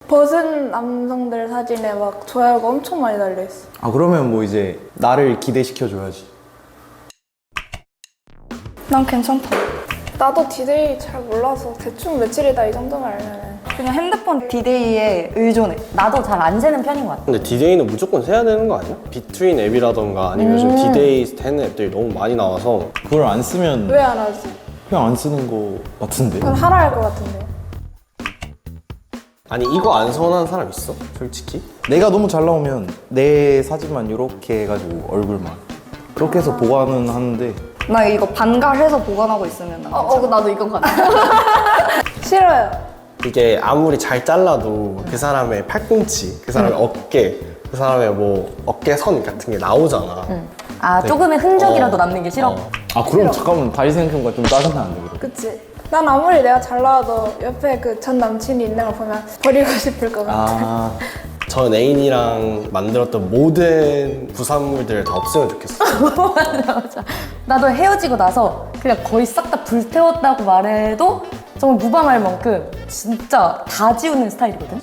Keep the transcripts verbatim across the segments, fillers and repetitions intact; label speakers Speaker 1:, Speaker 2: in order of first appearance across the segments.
Speaker 1: 벗은 남성들 사진에 막 좋아요가 엄청 많이 달려있어.
Speaker 2: 아 그러면 뭐 이제 나를 기대시켜줘야지.
Speaker 1: 난 괜찮다. 나도 디데이 잘 몰라서 대충 며칠이다 이 정도만 알면은
Speaker 3: 그냥 핸드폰 디데이에 의존해. 나도 잘 안 세는 편인 것 같아.
Speaker 4: 근데 디데이는 무조건 세야 되는 거 아니야? 비트윈 앱이라던가 아니면 요즘 디데이 되는 앱들이 너무 많이 나와서
Speaker 2: 그걸 안 쓰면
Speaker 1: 왜 안 하지?
Speaker 2: 그냥 안 쓰는 거 같은데.
Speaker 1: 그건 하라 할 것 같은데.
Speaker 4: 아니 이거 안 서운한 사람 있어? 솔직히?
Speaker 2: 내가 너무 잘 나오면 내 사진만 이렇게 해가지고 얼굴만 그렇게 해서 보관은 하는데
Speaker 3: 나 이거 반갈해서 보관하고 있으면 나.
Speaker 5: 어, 어 나도 이건 같아.
Speaker 1: 싫어요.
Speaker 4: 이게 아무리 잘 잘라도 그 사람의 팔꿈치, 그 사람의 어깨, 그 사람의 뭐 어깨선 같은 게 나오잖아.
Speaker 3: 아 조금의 흔적이라도
Speaker 4: 어.
Speaker 3: 남는 게 싫어?
Speaker 4: 어.
Speaker 2: 아 그럼 잠깐만 다시 생각해보니까 좀 짜증나는데 그래.
Speaker 1: 그치? 난 아무리 내가 잘 나와도 옆에 그 전 남친이 있는 걸 보면 버리고 싶을 것 같아.
Speaker 2: 아
Speaker 4: 전 애인이랑 만들었던 모든 부산물들을 다 없애면 좋겠어.
Speaker 3: 맞아 맞아. 나도 헤어지고 나서 그냥 거의 싹 다 불태웠다고 말해도 정말 무방할 만큼 진짜 다 지우는 스타일이거든?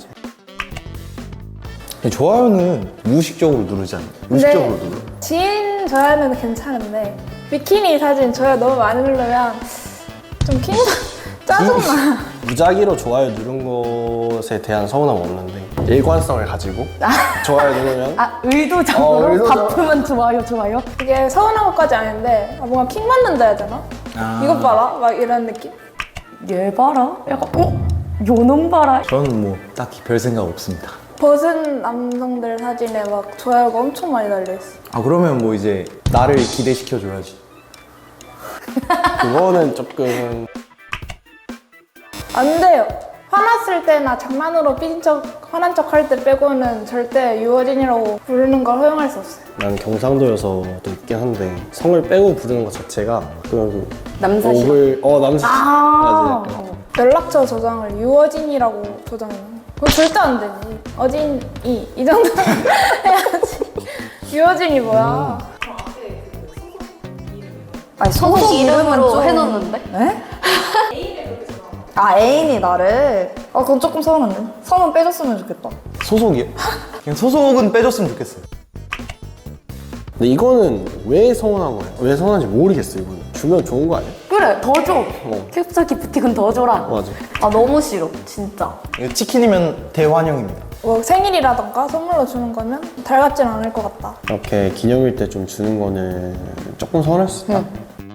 Speaker 2: 좋아요는 무의식적으로 누르지 않나? 무의식적으로 누르.
Speaker 1: 지인 좋아요는 괜찮은데 비키니 사진 좋아요 너무 많이 누르면 좀 킹 짜증나.
Speaker 4: 무작위로 좋아요 누른 것에 대한 서운함은 없는데 일관성을 가지고 좋아요 누르면
Speaker 3: 아 의도적으로
Speaker 4: 어, 의도적-
Speaker 3: 바쁘면 좋아요 좋아요?
Speaker 1: 이게 서운한 것까지 아닌데 아, 뭔가 킹 받는다 해야 되나?
Speaker 2: 아.
Speaker 1: 이것 봐라 막 이런 느낌.
Speaker 3: 얘 봐라? 약간 어? 요놈 봐라?
Speaker 2: 저는 뭐 딱히 별 생각 없습니다.
Speaker 1: 벗은 남성들 사진에 막 좋아요가 엄청 많이 달려있어.
Speaker 2: 아 그러면 뭐 이제 나를 기대시켜줘야지.
Speaker 4: 그거는 조금
Speaker 1: 안 돼요. 화났을 때나 장난으로 삐진 척, 화난 척 할 때 빼고는 절대 유어진이라고 부르는 걸 허용할 수 없어요.
Speaker 4: 난 경상도여서 또 있긴 한데 성을 빼고 부르는 것 자체가 그냥
Speaker 3: 남사시.
Speaker 4: 옥을 어 남사
Speaker 3: 아.
Speaker 4: 맞아 약간.
Speaker 1: 연락처 저장을 유어진이라고 저장해. 그건 절대 안 되지. 어진이 이 정도 해야지. 유어진이 뭐야?
Speaker 3: 아니 소속,
Speaker 5: 소속 이름으로
Speaker 3: 좀-
Speaker 5: 해놓는데?
Speaker 3: 에? 아 애인이 나를? 아 그건 조금 서운한데? 성은 빼줬으면 좋겠다.
Speaker 2: 소속이요? 그냥 소속은 빼줬으면 좋겠어요.
Speaker 4: 근데 이거는 왜 서운한 거야? 왜 서운한지 모르겠어 이거는. 주면 좋은 거 아니야?
Speaker 3: 그래 더 줘.
Speaker 4: 어.
Speaker 3: 캡사 기프티콘 더 줘라.
Speaker 4: 맞아.
Speaker 5: 아 너무 싫어 진짜.
Speaker 2: 이거 치킨이면 대환영입니다.
Speaker 1: 뭐 생일이라던가 선물로 주는 거면 달갑진 않을 것 같다.
Speaker 4: 이렇게 기념일 때 좀 주는 거는 조금 서운할 수 있다.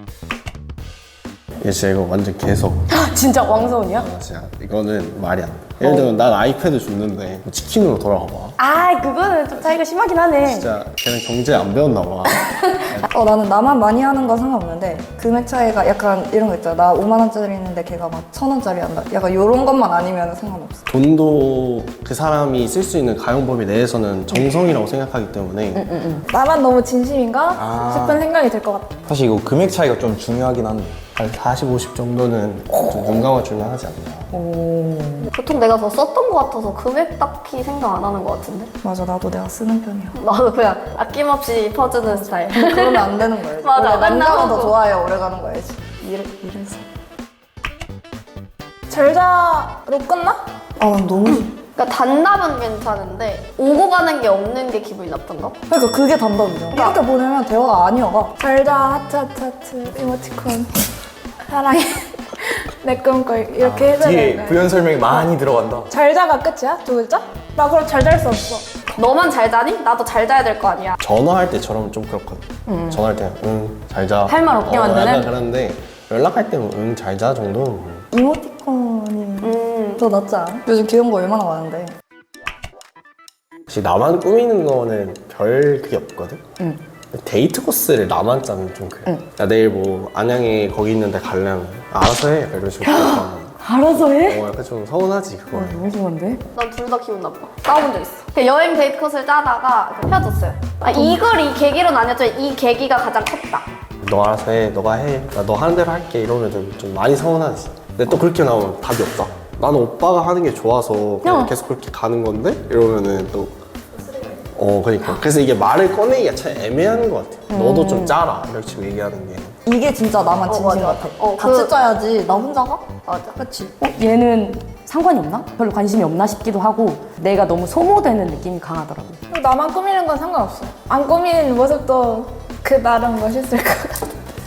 Speaker 4: 얘 진짜 이거 완전 개석.
Speaker 3: 진짜 왕서운이야?
Speaker 4: 아, 진짜 이거는 말이 안 돼. 예를 들면 난 아이패드 줬는데 뭐 치킨으로 돌아가 봐.
Speaker 3: 아 그거는 좀 차이가 심하긴 하네.
Speaker 4: 진짜 걔는 경제 안 배웠나 봐.
Speaker 3: 어 나는 나만 많이 하는 건 상관없는데 금액 차이가 약간 이런 거 있잖아. 나 오만 원짜리 있는데 걔가 막 천 원짜리 한다. 약간 이런 것만 아니면 상관없어.
Speaker 4: 돈도 그 사람이 쓸 수 있는 가용 범위 내에서는 정성이라고 생각하기 때문에
Speaker 1: 나만 너무 진심인가
Speaker 2: 아.
Speaker 1: 싶은 생각이 들 것 같다.
Speaker 2: 사실 이거 금액 차이가 좀 중요하긴 한데
Speaker 4: 한 사십, 오십 정도는 좀 눈 감아주면 하지 않나.
Speaker 5: 보통 내가 더 썼던 것 같아서 금액 딱히 생각 안 하는 것 같은데?
Speaker 3: 맞아 나도 내가 쓰는 편이야.
Speaker 5: 나도 그냥 아낌없이 퍼주는 스타일.
Speaker 3: 그러면 안 되는 거야지.
Speaker 5: 맞아,
Speaker 3: 원래 남자가
Speaker 5: 맨날
Speaker 3: 더
Speaker 5: 하고.
Speaker 3: 좋아요. 오래 가는 거야지. 이래, 이래서.
Speaker 1: 절자로 끝나?
Speaker 3: 아 난 너무
Speaker 5: 그러니까 단답은 괜찮은데 오고 가는 게 없는 게 기분이 나쁜가?
Speaker 3: 그러니까 그게 단답이죠. 이렇게 보내면 대화가 아니어가.
Speaker 1: 절자 하트 하트 하트 이모티콘 사랑해 내 꿈꿔 이렇게 해줘야 되는
Speaker 2: 뒤에
Speaker 1: 거야.
Speaker 2: 부연 설명이 많이 들어간다.
Speaker 1: 잘자가 끝이야? 두 글자? 나 그럼 잘 잘 수 없어.
Speaker 5: 너만 잘 자니? 나도 잘 자야 될 거 아니야.
Speaker 4: 전화할 때처럼 좀 그렇거든. 전화할 때는 응, 잘 자.
Speaker 3: 할말 없게
Speaker 4: 어,
Speaker 3: 만드는?
Speaker 4: 약간 그런데 연락할 때는 응, 잘 자 정도는 뭐.
Speaker 3: 이모티콘이
Speaker 5: 음.
Speaker 3: 더 낫지 않아? 요즘 귀여운 거 얼마나 많은데.
Speaker 4: 혹시 나만 꾸미는 거는 별 그게 없거든?
Speaker 3: 응.
Speaker 4: 데이트 코스를 나만 짜면 좀 그래. 야, 내일 뭐 안양에 거기 있는데 가려면 아, 알아서 해. 이런 식으로. 어,
Speaker 3: 알아서 해?
Speaker 4: 약간 좀 서운하지 그거.
Speaker 3: 너무 좋은데?
Speaker 5: 난 둘 다 기분 나빠. 싸워본 적 있어. 그냥 여행 데이트 컷을 짜다가 헤어졌어요. 아, 이걸 이 계기로는 아니었지만 이 계기가 가장 컸다.
Speaker 4: 너 알아서 해. 너가 해. 나 너 하는 대로 할게. 이러면 좀 많이 서운하지. 근데 또 그렇게 나오면 답이 없다. 나는 오빠가 하는 게 좋아서 그냥
Speaker 3: 어.
Speaker 4: 계속 그렇게 가는 건데 이러면은 또 어, 그러니까. 그래서 이게 말을 꺼내기가 참 애매한 것 같아. 너도 좀 짜라. 이렇게 지금 얘기하는 게.
Speaker 3: 이게 진짜 나만
Speaker 5: 어,
Speaker 3: 진심
Speaker 5: 맞아,
Speaker 3: 같아.
Speaker 5: 맞아. 어,
Speaker 3: 같이
Speaker 5: 그-
Speaker 3: 짜야지. 나 혼자 가?
Speaker 5: 맞아.
Speaker 3: 그치? 어, 얘는 상관이 없나? 별로 관심이 없나 싶기도 하고 내가 너무 소모되는 느낌이 강하더라고.
Speaker 1: 그리고 나만 꾸미는 건 상관없어요. 안 꾸미는 모습도 그 나름 멋있을 것 같아.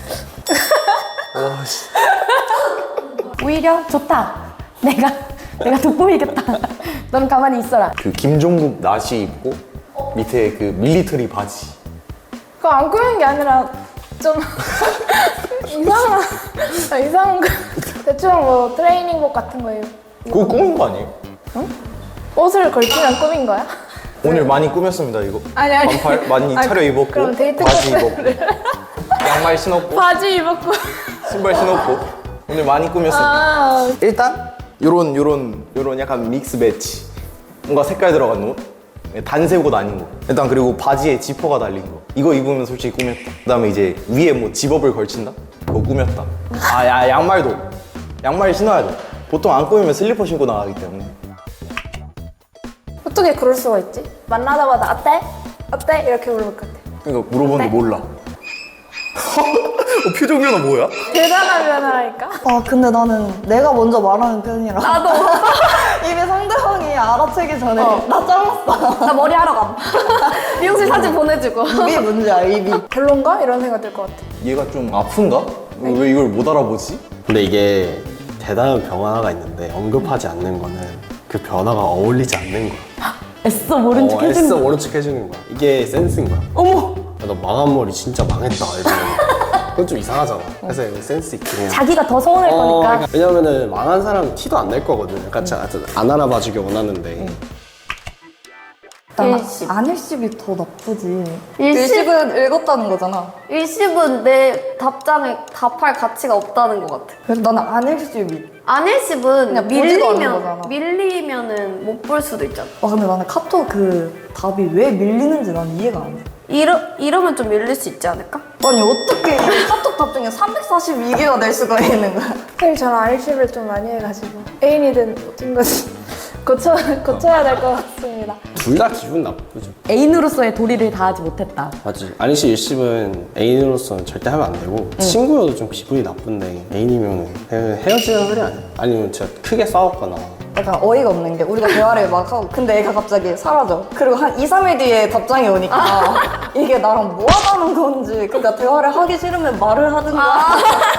Speaker 2: 와, 씨.
Speaker 3: 오히려 좋다. 내가 내가 돋보이겠다. 넌 가만히 있어라.
Speaker 2: 그 김종국 나시 입고 밑에 그 밀리터리 바지.
Speaker 1: 그거 안 꾸미는 게 아니라 좀 이상한 아, 이상한 거 대충 뭐 트레이닝복 같은 거예요.
Speaker 2: 그거 꾸민 거 아니에요?
Speaker 1: 옷을 걸치면 꾸민 거야?
Speaker 2: 오늘 많이 꾸몄습니다 이거.
Speaker 1: 아니, 아니.
Speaker 2: 반팔 많이
Speaker 1: 아니,
Speaker 2: 차려 입었고
Speaker 1: 그럼 데이트
Speaker 2: 바지
Speaker 1: 코스를.
Speaker 2: 입었고 양말 신었고
Speaker 1: 바지 입었고.
Speaker 2: 신발 신었고 오늘 많이 꾸몄습니다.
Speaker 1: 아,
Speaker 2: 일단 요런 요런 요런 약간 믹스 매치 뭔가 색깔 들어간 옷 단색 옷 아닌 거 일단 그리고 바지에 지퍼가 달린 거 이거 입으면 솔직히 꾸몄다. 그 다음에 이제 위에 뭐 집업을 걸친다? 그거 꾸몄다. 아 야 양말도 양말 신어야 돼. 보통 안 꾸미면 슬리퍼 신고 나가기 때문에.
Speaker 1: 어떻게 그럴 수가 있지? 만나자마자 어때? 어때? 이렇게 물어볼 것 같아.
Speaker 2: 그러니까 물어보는데
Speaker 1: 네.
Speaker 2: 몰라. 어, 표정 변화 뭐야?
Speaker 1: 대단한 변화라니까?
Speaker 6: 아 근데 나는 내가 먼저 말하는 편이라
Speaker 5: 나도.
Speaker 6: 이미 상대방이 알아채기 전에 나 잘랐어.
Speaker 5: 나 머리 하러 가. 미용실 사진 보내주고.
Speaker 6: 입이 문제야 입이.
Speaker 1: 별론가? 이런 생각 들 것 같아.
Speaker 2: 얘가 좀 아픈가? 왜 이걸 못 알아보지?
Speaker 4: 근데 이게 대단한 변화가 있는데 언급하지 않는 거는 그 변화가 어울리지 않는 거야.
Speaker 3: 애써 모른 척
Speaker 4: 어,
Speaker 3: 해주는
Speaker 4: 애써
Speaker 3: 거.
Speaker 4: 모른 척 해주는 거야. 이게 센스인 거야.
Speaker 3: 어머.
Speaker 4: 야, 너 망한 머리 진짜 망했다 이러면 그건 좀 이상하잖아. 그래서 이거 센스 있게 그냥.
Speaker 3: 자기가 더 서운할
Speaker 4: 어,
Speaker 3: 거니까.
Speaker 4: 그러니까 왜냐면은 망한 사람 티도 안 낼 거거든. 약간 안 알아봐주길 원하는데.
Speaker 6: 난
Speaker 5: 일십.
Speaker 6: 안일십이 더 나쁘지.
Speaker 5: 일십?
Speaker 6: 일십은 읽었다는 거잖아.
Speaker 5: 일십은 내 답장에 답할 가치가 없다는 것 같아.
Speaker 6: 그래서 나는 안일십이.
Speaker 5: 안일십은
Speaker 6: 그냥 보지도 않는
Speaker 5: 밀리면
Speaker 6: 거잖아.
Speaker 5: 밀리면은 못 볼 수도 있잖아.
Speaker 6: 와 근데 나는 카톡 그 답이 왜 밀리는지 난 이해가 안 돼.
Speaker 5: 이러 이러면 좀 밀릴 수 있지 않을까?
Speaker 6: 아니 어떻게 카톡 답장에 삼백사십이 개가 될 수가 있는 거야?
Speaker 1: 사실 저는 알씨를 좀 많이 해가지고 애인이든 어떤 거지 고쳐, 고쳐야 될 것 같습니다.
Speaker 4: 둘 다 기분 나쁘죠.
Speaker 3: 애인으로서의 도리를 다하지 못했다.
Speaker 4: 맞지. 안일시 일십은 애인으로서는 절대 하면 안 되고 친구여도 좀 기분이 나쁜데 애인이면 헤어지는 소리 아니야. 아니면 진짜 크게 싸웠거나.
Speaker 6: 약간 어이가 없는 게 우리가 대화를 막 하고 근데 애가 갑자기 사라져. 그리고 한 이, 삼 일 뒤에 답장이 오니까 이게 나랑 뭐 하자는 건지 그러니까 대화를 하기 싫으면 말을 하든가.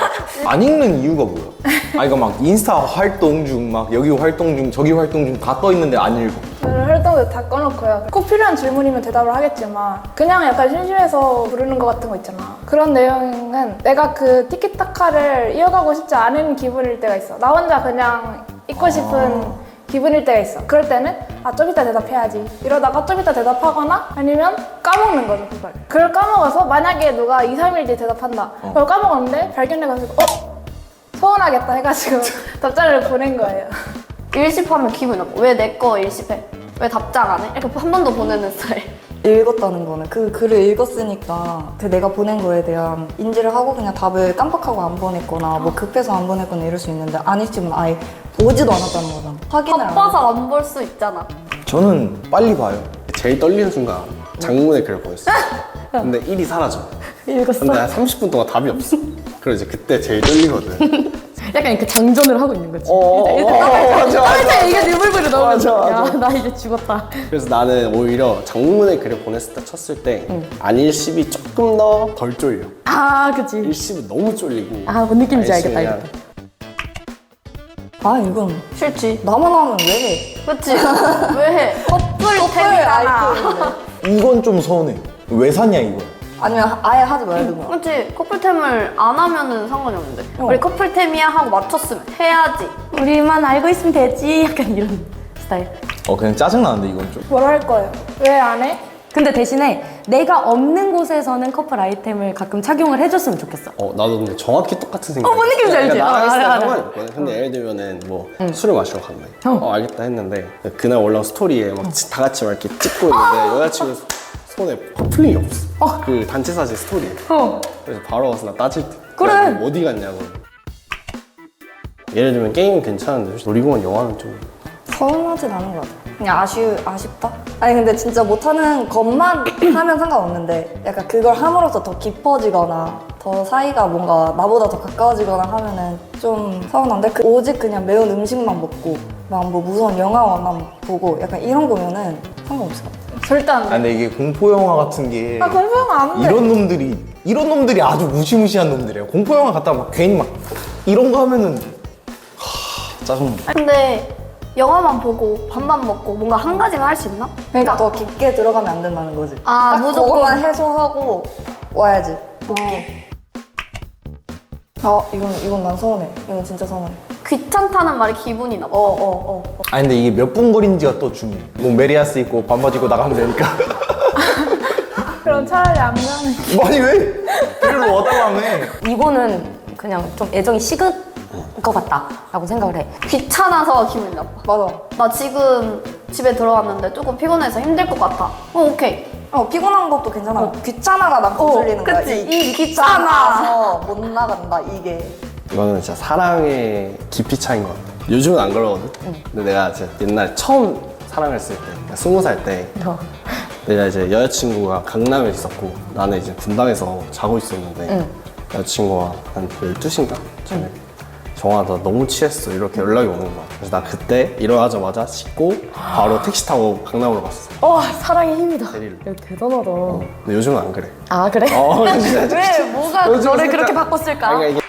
Speaker 2: 안 읽는 이유가 뭐야? 아 이거 막 인스타 활동 중 막 여기 활동 중 저기 활동 중 다 떠 있는데 안 읽어.
Speaker 1: 저는 활동도 다 꺼놓고요. 꼭 필요한 질문이면 대답을 하겠지만 그냥 약간 심심해서 부르는 것 같은 거 있잖아. 그런 내용은 내가 그 티키타카를 이어가고 싶지 않은 기분일 때가 있어. 나 혼자 그냥 있고 싶은 기분일 때가 있어. 그럴 때는 아 좀 이따 대답해야지 이러다가 좀 이따 대답하거나 아니면 까먹는 거죠 그걸. 그걸 까먹어서 만약에 누가 이, 삼 일 뒤에 대답한다. 그걸 까먹었는데 발견해가지고 어? 서운하겠다 해가지고 답장을 보낸 거예요.
Speaker 5: 일십하면 기분 나빠. 왜 내 거 일십해? 왜 답장 안 해? 이렇게 한 번 더 보내는 스타일.
Speaker 6: 읽었다는 거는 그 글을 읽었으니까 그 내가 보낸 거에 대한 인지를 하고 그냥 답을 깜빡하고 안 보냈거나 뭐 급해서 안 보냈거나 이럴 수 있는데 안일십은 아예 보지도 않았다는 거잖아. 확인을 안
Speaker 5: 바빠서 안 볼 수 있잖아.
Speaker 2: 저는 빨리 봐요.
Speaker 4: 제일 떨리는 순간 장문의 글을 보냈어. 근데 일이 사라져.
Speaker 3: 읽었어.
Speaker 4: 근데 한 삼십 분 동안 답이 없어. 그래서 이제 그때 제일 떨리거든.
Speaker 3: 약간 이렇게 장전을 하고 있는 거지.
Speaker 4: 어, 어, 어, 맞아, 맞아.
Speaker 3: 이게 느물거려 나오면
Speaker 4: 맞아, 맞아.
Speaker 3: 야, 나 이제 죽었다.
Speaker 4: 그래서 나는 오히려 장문의 글을 보냈을 때 쳤을 때 안일십이 조금 더 덜 쫄려.
Speaker 3: 아, 그치.
Speaker 4: 일십은 너무 쫄리고.
Speaker 3: 아, 뭔 느낌인지 알겠다,
Speaker 4: 안일십은
Speaker 3: 알겠다.
Speaker 6: 아 이건
Speaker 5: 싫지.
Speaker 6: 나만 하면 왜 해?
Speaker 5: 그치? 왜 해? 커플템이잖아.
Speaker 2: 이건 좀 서운해. 왜 샀냐 이거.
Speaker 6: 아니면 아예 하지 말든가.
Speaker 5: 그치? 커플템을 안 하면은 상관이 없는데. 우리 커플템이야 하고 맞췄으면 해야지.
Speaker 3: 우리만 알고 있으면 되지. 약간 이런 스타일.
Speaker 2: 어 그냥 짜증 나는데 이건 좀.
Speaker 1: 뭐라 할 거예요? 왜 안 해?
Speaker 3: 근데 대신에 내가 없는 곳에서는 커플 아이템을 가끔 착용을 해줬으면 좋겠어.
Speaker 4: 어 나도 근데 정확히 똑같은 생각.
Speaker 3: 어, 뭔 느낌인지 알지?
Speaker 4: 나랑
Speaker 3: 어,
Speaker 4: 했을 때
Speaker 3: 알아, 알아.
Speaker 4: 상관이 없거든. 근데 예를 들면은 뭐 술을 마시러 간다. 어. 알겠다 했는데 그날 올라온 스토리에 막 다 같이 막 이렇게 찍고 있는데 여자친구 손에 커플링이 없어. 그 단체 사진 스토리에.
Speaker 3: 어.
Speaker 4: 그래서 바로 와서 나 따질 때.
Speaker 3: 그래.
Speaker 4: 야, 너 어디 갔냐고. 예를 들면 게임은 괜찮은데 솔직히 놀이공원 영화는 좀.
Speaker 6: 서운하진 않은 것 같아. 그냥 아쉬, 아쉽다? 아니 근데 진짜 못하는 것만 하면 상관없는데 약간 그걸 함으로써 더 깊어지거나 더 사이가 뭔가 나보다 더 가까워지거나 하면은 좀 서운한데 그 오직 그냥 매운 음식만 먹고 막 뭐 무서운 영화만 보고 약간 이런 거면은 상관없어.
Speaker 1: 절대 안
Speaker 2: 아
Speaker 1: 돼.
Speaker 2: 근데 이게 공포 영화 같은 게
Speaker 1: 아 공포 영화 안 돼.
Speaker 2: 이런 놈들이 이런 놈들이 아주 무시무시한 놈들이에요. 공포 영화 갔다가 막 괜히 막 이런 거 하면은 하, 짜증나.
Speaker 5: 근데 영화만 보고 밥만 먹고 뭔가 한 가지만 할 수 있나?
Speaker 6: 그러니까 더 깊게 들어가면 안 된다는 거지.
Speaker 5: 아,
Speaker 6: 딱
Speaker 5: 무조건.
Speaker 6: 그거만 해소하고 와야지. 어, 이건 이건 난 서운해. 이건 진짜 서운해.
Speaker 5: 귀찮다는 말이 기분이 나빠.
Speaker 6: 어, 어, 어. 어.
Speaker 2: 아 근데 이게 몇 분 거리인지가 또 중요해. 뭐 메리아스 입고 반바지 입고 나가면 되니까.
Speaker 1: 그럼 차라리 안 가는.
Speaker 2: 아니 왜? 필요로 와달라며.
Speaker 3: 이거는 그냥 좀 애정이 식은 것 같다라고 생각을 해.
Speaker 5: 귀찮아서 기분이 나빠.
Speaker 6: 맞아.
Speaker 5: 나 지금 집에 들어왔는데 조금 피곤해서 힘들 것 같아. 어, 오케이.
Speaker 6: 어, 피곤한 것도 괜찮아. 귀찮아가 난 거슬리는 거야.
Speaker 5: 그치.
Speaker 6: 이, 이 귀찮아서 못 나간다, 이게.
Speaker 4: 이거는 진짜 사랑의 깊이 차이인 것 같아. 요즘은 안 그러거든. 근데 내가 진짜 옛날 처음 사랑했을 때, 스무 살 때,
Speaker 3: 어.
Speaker 4: 내가 이제 여자친구가 강남에 있었고 나는 이제 분당에서 자고 있었는데 여자친구가 한 열두 시인가? 저녁에 정아 나 너무 취했어 이렇게 연락이 오는 거야. 그래서 나 그때 일어나자마자 씻고 바로 택시 타고 강남으로 갔어.
Speaker 3: 와 사랑의 힘이다.
Speaker 4: 데리러.
Speaker 3: 야, 대단하다.
Speaker 4: 근데 요즘은 안 그래.
Speaker 3: 아 그래?
Speaker 4: 어, 진짜.
Speaker 3: 왜 뭐가
Speaker 4: 요즘
Speaker 3: 너를
Speaker 4: 살짝-
Speaker 3: 그렇게 바꿨을까?
Speaker 4: 그러니까 이게